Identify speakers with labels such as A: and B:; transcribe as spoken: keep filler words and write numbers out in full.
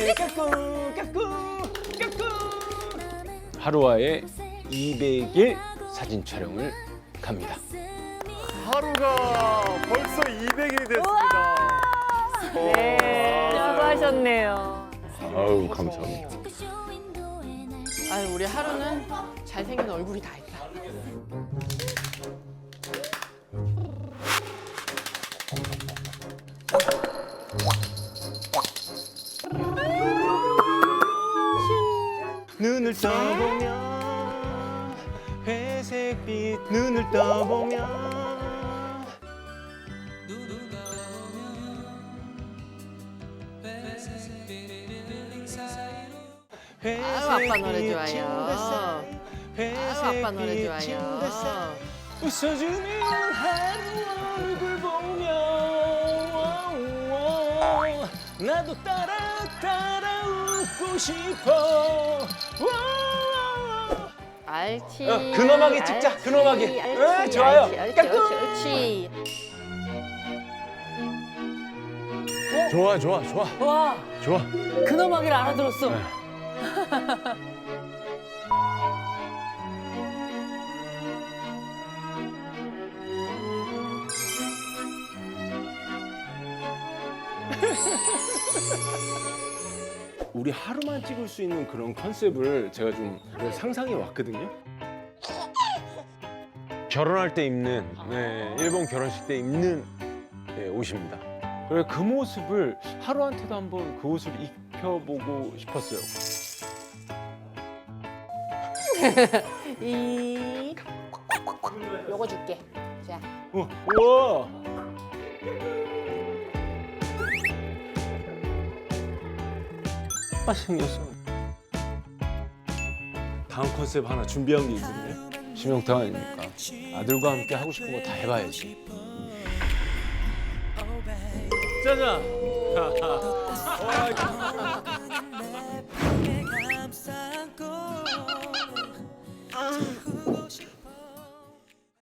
A: 이백일 까꿍 까꿍 까꿍. 하루아의 이백 일 사진 촬영을 갑니다.
B: 하루가 벌써 이백 일이 됐습니다.
C: 네, 수고하셨네요.
A: 아우 감사합니다.
D: 아유, 우리 하루는 잘생긴 얼굴이 다 있다.
A: 눈을 떠보면 회색빛 눈을 떠보면
D: 아유, 아빠 노래 좋아요. 아유, 아빠 노래 좋아요.
A: 웃어주는 하루 얼굴 보며 나도 따라 따라 웃고 싶어.
D: 알지.
A: 어, 근엄하게 찍자,
D: 알지,
A: 근엄하게.
D: 알지,
A: 어, 좋아요.
D: 알지, 알지,
A: 까꿍.
D: 옳지, 옳지.
B: 좋아, 좋아, 좋아,
C: 와,
B: 좋아.
C: 근엄하게를 알아들었어.
A: 네. 우리 하루만 찍을 수 있는 그런 컨셉을 제가 좀 상상해 왔거든요. 결혼할 때 입는, 네, 일본 결혼식 때 입는 네, 옷입니다. 그래서 그 모습을 하루한테도 한번 그 옷을 입혀보고 싶었어요.
D: 이 요거 줄게. 자,
A: 어, 우와! 아, 생겼어. 다음 컨셉 하나 준비한 게 있거든요. 심영탁 아닙니까? 아들과 함께 하고 싶은 거 다 해봐야지. 짜잔!